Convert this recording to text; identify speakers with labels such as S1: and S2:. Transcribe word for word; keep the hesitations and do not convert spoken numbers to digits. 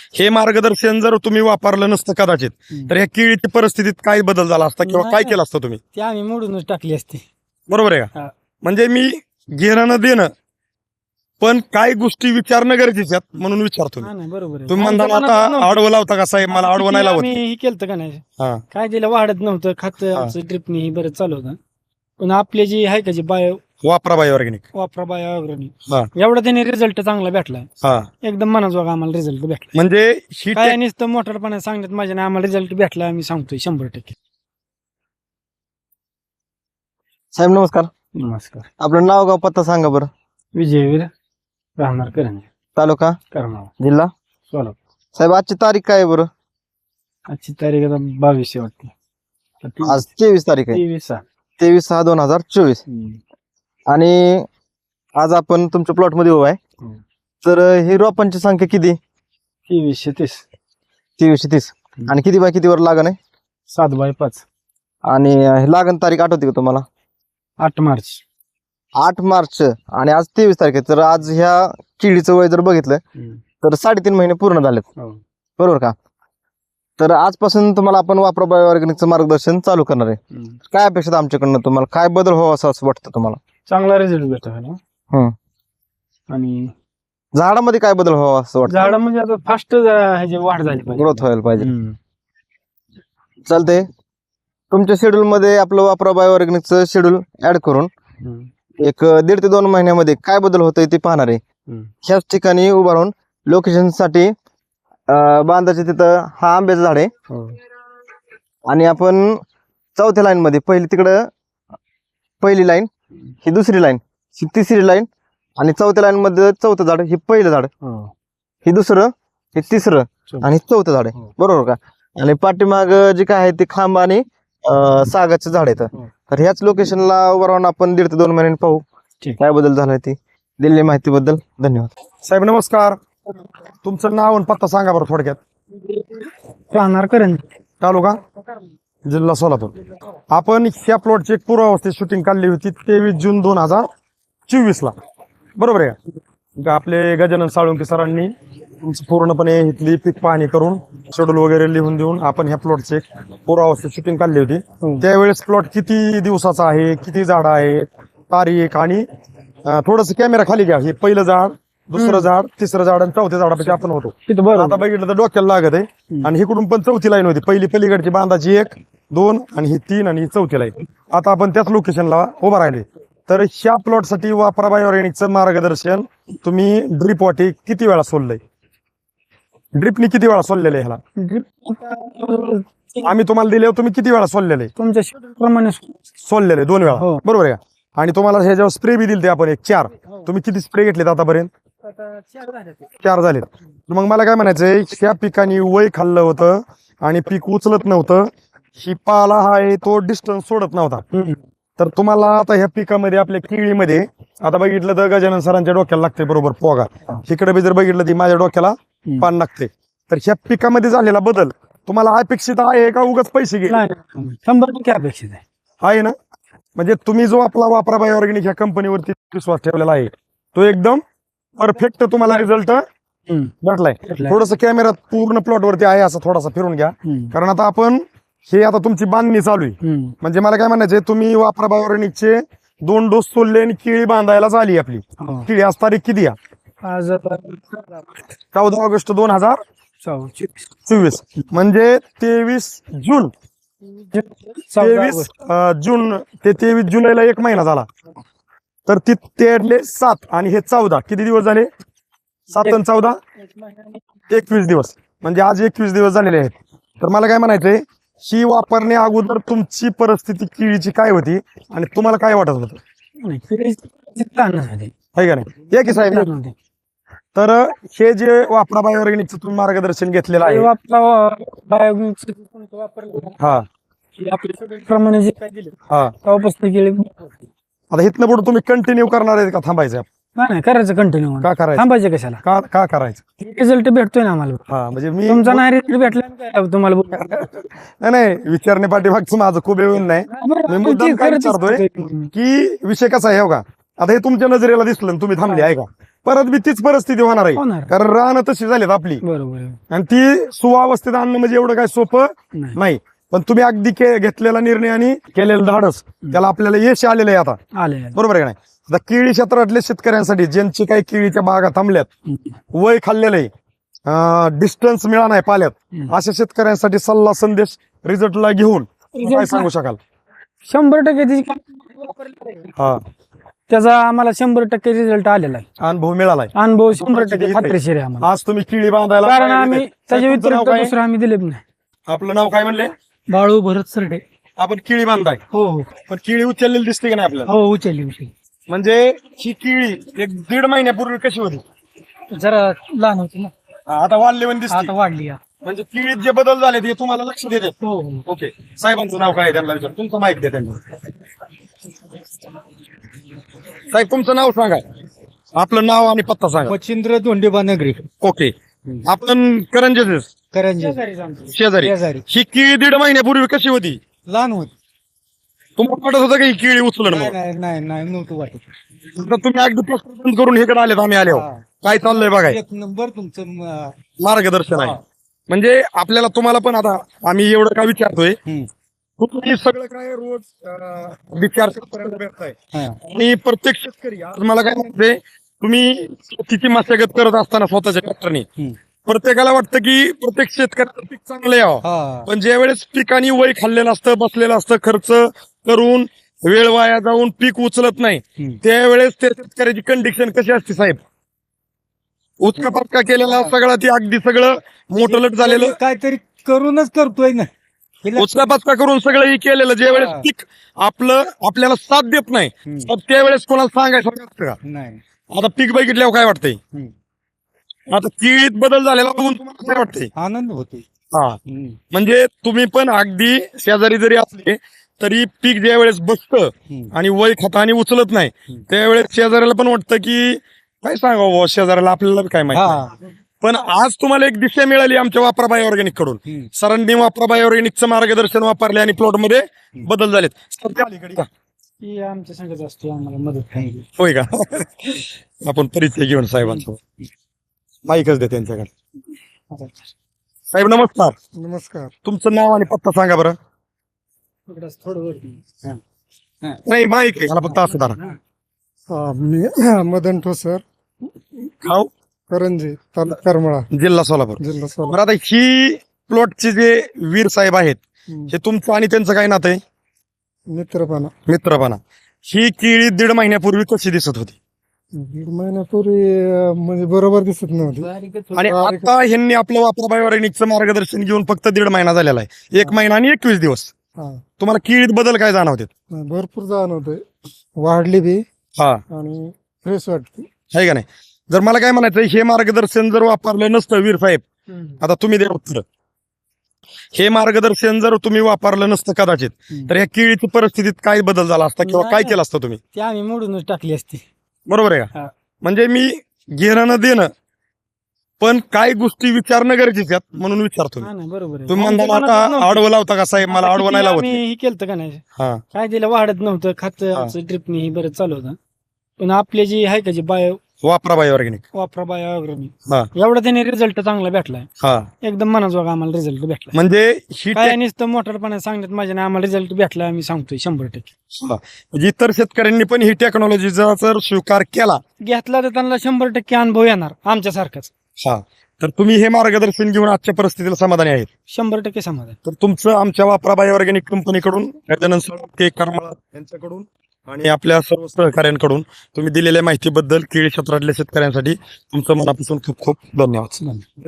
S1: हे मार्गदर्शन जर तुम्ही वापरलं नसतं कदाचित तर ह्या केळीच्या परिस्थितीत काय बदल झाला असता किंवा
S2: नाही,
S1: काय
S2: नाही.
S1: केलं असतं तुम्ही?
S2: ती आम्ही मोडूनच टाकली असती.
S1: बरोबर आहे
S2: हा.
S1: का? म्हणजे मी घेणं न देणं पण काही गोष्टी विचारणं गरजेचे आहेत म्हणून विचारतो मी.
S2: हा, नाही बरोबर आहे.
S1: तुम्ही
S2: आमच्या
S1: म्हणता
S2: मनातच
S1: आता
S2: नव्हतं.
S1: आडवं लावता का साहेब, मला आडवं नाही
S2: किती
S1: लावत.
S2: आम्ही हे केलं का नाही,
S1: हा
S2: काय तिला वाढत नव्हतं खात
S1: हा.
S2: आमचं ड्रिपनी ही बरं चालू होतं. पण आपले जी आहे का जी बायो
S1: वापरा बाय ऑर्गॅनिक.
S2: वापरा बायो ऑर्गॅनिक
S1: हा
S2: एवढा त्याने रिझल्ट चांगला भेटला.
S1: हा
S2: एकदम मनाजोगा आम्हाला रिझल्ट भेटला.
S1: म्हणजे ही
S2: काय
S1: टेक-
S2: नुसतं मोठरपणा सांगण्यात माझ्या नाही, आम्हाला रिझल्ट भेटला आम्ही सांगतोय शंभर टक्के.
S3: साहेब नमस्कार.
S2: नमस्कार.
S3: आपलं नाव गाव पत्ता सांगा बरं.
S2: विजयवीर राहणार करणे
S3: तालुका
S2: करमाळा
S3: जिल्हा
S2: सोलापूर.
S3: साहेब आजची तारीख काय आहे बरं?
S2: आजची तारीख आता बावीस आहे वाटते.
S3: आज तेवीस तारीख आहे.
S2: तेवीस सहा.
S3: तेवीस सहा दोन हजार चोवीस.
S2: हम्म.
S3: आणि आज आपण तुमच्या प्लॉट मध्ये उभा आहे.
S2: हम्म.
S3: तर ही रोपांची संख्या किती?
S2: तेवीसशे तीस.
S3: तेवीसशे तीस. आणि किती बाय कितीवर लागण आहे?
S2: सात बाय पाच.
S3: आणि हे लागण तारीख आठवते का तुम्हाला?
S2: आठ मार्च.
S3: आठ मार्च आणि आज तेवीस तारीख आहे. तर आज ह्या किडीचं वय जर बघितलं तर साडेतीन महिने पूर्ण झालेत.
S2: हो.
S3: बरोबर का? तर आजपासून तुम्हाला आपण वापरा बायो ऑर्गॅनिकचं मार्गदर्शन चालू करणार आहे.
S2: हम्म.
S3: काय अपेक्षा आहे आमच्याकडनं? तुम्हाला काय बदल व्हावा असं असं वाटतं तुम्हाला?
S2: चांगला रिझल्ट भेटला ना.
S3: हम्म.
S2: आणि
S3: झाडामध्ये काय बदल व्हावा असं वाटतं?
S2: झाड म्हणजे आता फास्ट ह्याची वाढ झाली पाहिजे.
S3: ग्रोथ व्हायला पाहिजे.
S2: हम्म.
S3: चालतंय. तुमच्या शेड्यूल मध्ये आपलं वापरा बायो ऑर्गॅनिकचं शेड्यूल ऍड करून
S2: हम्म.
S3: एक दीड ते दोन महिन्यामध्ये काय बदल होतोय ते पाहणार आहे.
S2: हम्म.
S3: ह्याच ठिकाणी उभा राहून लोकेशन साठी अं, बांधाचे तिथं हा आंब्याचं झाड आहे.
S2: हो.
S3: आणि आपण चौथ्या लाईन मध्ये पहिली तिकडं पहिली लाईन, ही दुसरी लाईन, ही तिसरी लाईन आणि चौथ्या लाईन मध्ये चौथं झाड, हे पहिलं झाड,
S2: हो.
S3: हे दुसरं, हे तिसरं
S2: चौथं.
S3: आणि चौथं झाड आहे.
S2: हो.
S3: बरोबर का? आणि पाठीमाग जे काय आहे ते खांब आणि अं, सागाचं झाड आहेत.
S2: हो.
S3: तर ह्याच लोकेशनला उभं राहून आपण दीड ते दोन महिन्यांनी पाहू
S2: ठीक.
S3: काय बदल झालाय ते. दिलेल्या माहितीबद्दल धन्यवाद.
S1: साहेब नमस्कार. तुमचं नाव आणि पत्ता सांगा बरं थोडक्यात.
S2: राहणार करण
S1: तालुका जिल्हा सोलापूर. आपण ह्या प्लॉटची एक पूर्वावस्थेत शूटिंग काढली होती तेवीस जून दोन हजार चोवीस ला. बरोबर आहे का? आपले गजानन साळुंके सरांनी तुमचं पूर्णपणे इथली पीक पाहणी करून शेड्यूल वगैरे लिहून देऊन आपण ह्या प्लॉटची एक पूर्वावस्थेत शूटिंग काढली होती. त्यावेळेस प्लॉट किती दिवसाचा आहे, किती झाड आहे, तारीख आणि थोडस कॅमेरा खाली घ्या. हे पहिलं झाड, दुसरं झाड, तिसरं झाड आणि चौथ्या झाडापाशी आपण होतो.
S2: तिथं बरं
S1: आता बघितलं तर डोक्याला लागत आहे. आणि इकडून पण चौथी लाईन होती. पहिली पलीकडची बांधाची एक, दोन आणि ही तीन आणि ही चौथी लाईन. आता आपण त्याच लोकेशनला उभा राहिले. तर ह्या प्लॉट साठी वापरा बायो ऑर्गॅनिकचं मार्गदर्शन तुम्ही ड्रिप वाटी किती वेळा सोडलंय? ड्रिपनी किती वेळा सोडलेलं आहे ह्याला? आम्ही तुम्हाला दिले तुम्ही किती वेळा सोडलेलं आहे?
S2: तुमच्या शेड्यूल प्रमाणे
S1: सोडलेले दोन वेळा.
S2: हो.
S1: बरोबर आहे का? आणि तुम्हाला ह्याच्यावर स्प्रे बी दिले आपण एक चार. तुम्ही किती स्प्रे घेतलेत आतापर्यंत? चार झालेत. मग मला काय म्हणायचंय, ह्या पिकाने वय खाल्लं होतं आणि पीक उचलत नव्हतं. ही पाला हा आहे तो डिस्टन्स सोडत नव्हता. तर तुम्हाला आता ह्या पिकामध्ये आपल्या केळीमध्ये आता बघितलं तर गजानन सरांच्या डोक्याला लागते बरोबर पोगा. इकडे बी जर बघितलं ती माझ्या डोक्याला पान लागते. तर ह्या पिकामध्ये झालेला बदल तुम्हाला अपेक्षित आहे का उगाच पैसे घे?
S2: शंभर टक्के अपेक्षित आहे.
S1: आहे ना? म्हणजे तुम्ही जो आपला वापरा बायो ऑर्गॅनिक ह्या कंपनीवरती विश्वास ठेवलेला आहे तो एकदम परफेक्ट तुम्हाला रिझल्ट भेटलाय. थोडस कॅमेरा पूर्ण प्लॉट वरती आहे असं थोडासा फिरून घ्या. कारण आता आपण हे आता तुमची बांधणी चालू आहे. म्हणजे मला काय म्हणायचंय, तुम्ही वापरा बायो ऑर्गॅनिकचे दोन डोस सोडले आणि केळी बांधायला झाली आपली. केळी आज तारीख किती आहे?
S2: आज
S1: चौदा ऑगस्ट दोन हजार चोवीस. म्हणजे तेवीस जून तेवीस जून ते तेवीस जुलैला एक महिना झाला. तर ती तेरले सात आणि हे चौदा किती दिवस झाले? सात आणि चौदा एकवीस दिवस. म्हणजे आज एकवीस दिवस झालेले आहेत. तर मला काय म्हणायचंय, ही वापरण्या अगोदर तुमची परिस्थिती केळीची काय होती आणि तुम्हाला काय वाटत होतं? आहे का नाही? या की साहेब. तर हे जे वापरा बायो ऑर्गॅनिकचं तुम्ही मार्गदर्शन घेतलेलं आहे हा
S2: प्रमाणे जे काय दिलं
S1: हा
S2: तेव्हापासून केली.
S1: आता इथनं पुढे तुम्ही कंटिन्यू करणार आहे का थांबायचं?
S2: नाही करायचं कंटिन्यू.
S1: का करायचं?
S2: थांबायचं कशाला?
S1: का का करायचं?
S2: रिझल्ट भेटतोय ना आम्हाला.
S1: हा म्हणजे मी
S2: तुमचा नाही रिझल्ट भेटला काय तुम्हाला?
S1: नाही नाही विचारणे पाठीमागचं माझं खूप येऊन नाही. मी मुद्दाम काय विचारतोय की विषय कसा आहे हो का? आता हे तुमच्या नजरेला दिसलं तुम्ही थांबले आहे का? परत बी तीच परिस्थिती होणार आहे.
S2: होणार.
S1: कारण रानं तशी झालीत आपली
S2: बरोबर आहे.
S1: आणि ती सुवावस्थेत आणणं म्हणजे एवढं काय सोपं
S2: नाही.
S1: नाही. पण तुम्ही अगदी के- घेतलेला निर्णय आणि केलेलं धाडस त्याला आपल्याला यश आलेलं आहे आता.
S2: आले आले.
S1: बरोबर आहे का नाही? आता केळी क्षेत्रातल्या शेतकऱ्यांसाठी ज्यांची काही केळीच्या बागा थांबल्यात,
S2: हम्म.
S1: वय खाल्लेलं आहे, डिस्टन्स मिळा नाही पाल्यात,
S2: हम्म.
S1: अशा शेतकऱ्यांसाठी सल्ला संदेश रिझल्टला घेऊन काय सांगू शकाल?
S2: शंभर टक्के त्याची-
S1: हा,
S2: त्याचा आम्हाला शंभर टक्के रिझल्ट आलेला आहे.
S1: अनुभव मिळालाय.
S2: अनुभव शंभर टक्के खात्रीशीर आहे आम्हाला.
S1: आज तुम्ही केळी बांधायला
S2: कारण
S1: पाहिजे
S2: आम्ही
S1: नाही.
S2: त्याच्या
S1: तुमचं नाव
S2: व्यतिरिक्त
S1: काय?
S2: दुसरं आम्ही दिले नाही.
S1: आपलं नाव काय म्हणले?
S2: बाळू भरत सरडे.
S1: आपण केळी बांधताय,
S2: हो हो
S1: पण केळी उचललेली दिसते का नाही आपल्याला?
S2: हो उचलली उचलली.
S1: म्हणजे ही केळी एक दीड महिन्यापूर्वी कशी होती,
S2: जरा लहान होती ना,
S1: आता वाढली पण दिसते.
S2: आता वाढली या.
S1: म्हणजे केळीत जे बदल झाले ते तुम्हाला लक्ष देते.
S2: हो हो.
S1: ओके, साहेबांचं नाव काय आहे त्यांना विचार, तुमचं माहिती द्या त्यांना. साहेब तुमचं नाव सांगा, आपलं नाव आणि पत्ता सांगा.
S2: मच्छिंद्र धोंडेबा नगरी.
S1: ओके, आपण करंजे
S2: करंजे
S1: शेजारी.
S2: शेजारी.
S1: ही केळी दीड महिन्यापूर्वी कशी होती?
S2: लहान होती.
S1: तुम्हाला वाटत होतं का ही केळी उचलन म्हणून?
S2: नाही नाही नाही नव्हतं वाटत.
S1: तर तुम्ही अगदी प्रश्न करून इकडे आलेत, आम्ही आले
S2: हा.
S1: काय चाललंय बघाय,
S2: एक नंबर तुमचं म-
S1: मार्गदर्शन आहे.
S2: हा.
S1: म्हणजे आपल्याला तुम्हाला पण आता आम्ही एवढं काय विचारतोय,
S2: हम्म.
S1: तुम्ही सगळं काय रोज अं, विचार शेतकऱ्याला भेटताय
S2: हा.
S1: आणि प्रत्येक शेतकरी आज मला काय म्हणते, तुम्ही शेतीची मशागत करत असताना स्वतःच्या ट्रॅक्टरने
S2: हम्म.
S1: प्रत्येकाला वाटतं की प्रत्येक शेतकऱ्याचं पीक चांगलं यावं,
S2: हा.
S1: पण ज्या वेळेस पिकानी वय खाल्लेलं असतं, बसलेलं असतं, खर्च करून वेळ वाया जाऊन पीक उचलत नाही,
S2: हम्म.
S1: त्यावेळेस त्या शेतकऱ्याची कंडिशन कशी असते साहेब? उचका पचका केलेला सगळं ती अगदी सगळं मोठलट झालेलं,
S2: काहीतरी करूनच करतोय ना.
S1: उचका पचका करून सगळं हे केलेलं, ज्या वेळेस
S2: हा.
S1: पीक आपलं आपल्याला साथ देत नाही,
S2: हम्म.
S1: तर त्यावेळेस कोणाला सांगायचं असतं का?
S2: नाही.
S1: आता पीक बघितल्यावर काय वाटतंय?
S2: हम्म.
S1: आता केळीत बदल झालेला बघून तुम्हाला काय वाटतंय?
S2: आनंद होतोय.
S1: हा,
S2: हम्म.
S1: म्हणजे तुम्ही पण अगदी शेजारी जरी असले तरी पीक ज्या वेळेस बसतं
S2: हम्म.
S1: आणि वय खातानी उचलत नाही,
S2: हम्म.
S1: त्यावेळेस शेजाऱ्याला पण वाटतं की काय सांगावं बुवा शेजाऱ्याला, आपल्याला बी काय माहिती नाही.
S2: हा.
S1: पण आज तुम्हाला एक दिशा मिळाली आमच्या वापराबाई ऑर्गॅनिक कडून.
S2: हम्म.
S1: सरांनी वापराबाई ऑर्गॅनिकचं मार्गदर्शन वापरले आणि प्लॉट मध्ये बदल झालेत. सध्या अलीकडे का?
S2: ही आमच्या संगत असते, आम्हाला मदत करायची.
S1: होय का? आपण परिचय घेऊन साहेबांसोबत माईकच दे त्यांच्याकडे. साहेब नमस्कार,
S2: नमस्कार.
S1: तुमचं नाव आणि पत्ता सांगा बरं.
S2: इकडंच थोडं वरती. हा. हा.
S1: नाही माईक आहे, मला फक्त असं धरा.
S2: हा.
S4: मी मदन ठोसर,
S1: खाऊ,
S4: करंजी, तालुका करमाळा,
S1: जिल्हा सोलापूर.
S4: जिल्हा सोलापूर.
S1: बरं, आता ही प्लॉटचे जे वीर साहेब आहेत,
S4: हम्म.
S1: हे तुमचं आणि त्यांचं काय नातं आहे?
S4: मित्रपणा.
S1: मित्रपणा. ही केळी दीड महिन्यापूर्वी कशी दिसत होती
S4: दीड महिन्यापूर्वी अं, म्हणजे बरोबर दिसत नव्हती.
S2: बारीकच
S1: आणि
S4: बारीक-
S1: आता ह्यांनी आपलं वापराबाई ऑर्गॅनिकचं मार्गदर्शन घेऊन फक्त दीड महिना झालेला आहे, एक महिना आणि एकवीस दिवस.
S4: हा.
S1: तुम्हाला केळीत बदल काय जाणवते?
S4: भरपूर जाणवतंय, वाढली बी
S1: हा,
S4: आणि फ्रेश वाटते.
S1: आहे का नाही? जर मला काय म्हणायचं, हे मार्गदर्शन जर वापरलं नसतं वीर साहेब, आता तुम्ही द्या उत्तर, हे मार्गदर्शन जर तुम्ही वापरलं नसतं कदाचित, तर ह्या केळीची परिस्थितीत काय बदल झाला असता किंवा काय केलं असतं तुम्ही?
S2: ती आम्ही मोडूनच टाकली असती.
S1: बरोबर आहे का?
S2: हा.
S1: म्हणजे मी घेणं न देणं, पण काय गोष्टी विचारणं गरजेचे आहेत म्हणून विचारतो मी.
S2: हा ना, बरोबर आहे.
S1: तुम्ही
S2: आमच्या
S1: म्हणता
S2: मनात
S1: आता
S2: नव्हतं.
S1: आडवं लावता का साहेब? मला
S2: आता
S1: आडवं
S2: किती
S1: नाही लावत.
S2: आम्ही हे केलं का नाही,
S1: हा,
S2: काय दिलं वाढत नव्हतं खात, आमचं ड्रिपने ही बरं चालू होतं. पण आपले जी आहे का जी बायो
S1: वापराबाई ऑर्गॅनिक.
S2: वापरा बायो अग्रणी,
S1: हा
S2: एवढा त्याने रिझल्ट चांगला भेटलाय,
S1: हा,
S2: एकदम मनाजोगा आम्हाला रिझल्ट भेटला.
S1: म्हणजे ही
S2: काय नुसतं मोठरपणा सांगण्यात माझ्या नाही, आम्हाला रिझल्ट भेटला, आम्ही सांगतोय शंभर टक्के.
S1: हा. म्हणजे इतर शेतकऱ्यांनी पण ही टेक्नॉलॉजीचा जर स्वीकार केला,
S2: घेतला तर त्यांना शंभर टक्के अनुभव येणार आमच्यासारखाच.
S1: हा, तर तुम्ही हे मार्गदर्शन घेऊन आजच्या परिस्थितीला समाधानी आहेत?
S2: शंभर टक्के समाधान.
S1: तर तुमचं आमच्या वापराबाई ऑर्गॅनिक कंपनीकडून, गजानन साळुंके करमाळा यांच्याकडून आणि आपल्या सर्व सहकाऱ्यांकडून तुम्ही दिलेल्या माहितीबद्दल केळी क्षेत्रातल्या शेतकऱ्यांसाठी तुमचं मनापासून खूप खूप धन्यवाद.